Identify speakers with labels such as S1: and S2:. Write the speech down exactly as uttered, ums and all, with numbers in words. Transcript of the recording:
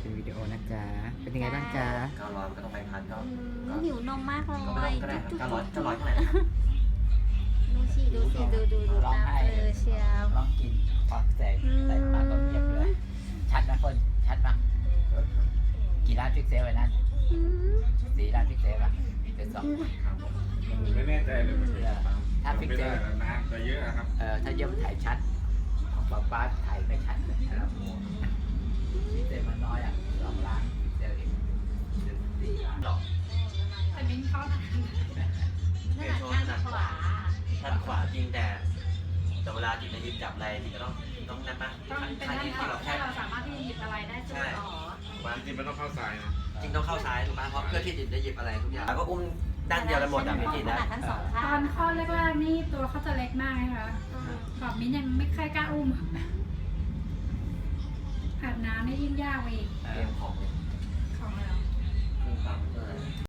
S1: เป็นวิดีโอนะจ๊ะเป็นยังไงบ้างจ๊ะ
S2: เก้าร้อยมันก็ต้องไปพันก็
S3: อืมหิวนมมากเลย
S2: ก็ไม่ต้องก็ได้ครับเก้าร้อยเก้าร้อยเท่าไหร่
S3: ดูสิดูสิดูดูดู
S1: ร้อง
S3: ตา
S1: ไห้
S3: เปลือเชียว
S1: ร้องกินพอแสงใส่ปากก็เงียบเลยชัดนะคนชัดปะกี่ล้านพิกเซลไว้นั้น
S3: อืม
S1: สี่ล้านพิกเซลปะเป็นสอง
S4: ครับผมไม่แน่ใจเลยมันเป็นตาม
S1: ถ้าพิกเซล
S4: ไม่ได้แล้วนะแต่เยอะครับ
S1: เอ่อถ้าเยอะมันถ่ายชัดของป๊าป๊าถ่ายไม่ชัดเลยนะครับพิกเซลมันน้อยอ่ะสองล้านพิกเซลเองสี่ล้านหรอก
S5: แต่มิ้นเข้าทาง
S2: เปลี่ยนโชว์ถนัดขวาถนัดขวาจริงแต่แต่เวลาจิตในยิบจับอะไรจิตก็ต้องต้องนั่นปะ
S5: ต้องเป็น
S2: ข้าง
S5: ด้าน
S2: นี้
S5: ข
S2: ที่
S5: วา
S2: เราแค่
S5: ถ้าเราสามารถที่จะหยิบอะไรได้สุดอ๋อ
S4: จริงๆมันต้องเข้าซ้ายนะ
S2: จริงต้องเข้าซ้ายถูกปะเพราะเพื่อที่จิตได้หยิบอะไรทุกอย่างแล้วก็อุ้มด้านเดียวกันหมดอ่ะไม่จิต
S3: ข
S2: นะ
S3: นาดทั้งสอง
S5: ต
S3: ข้า
S5: อง นข้อแรกๆนี่ตัวเขาจะเล็กมากนะคะ
S3: อืม
S5: แบบมิ้นยังไม่ค่อยกล้าอุ้มอาบน้ำนี่ยิ่งยากไปอีก
S1: เอ
S2: เตรี
S1: อย
S2: มของเลย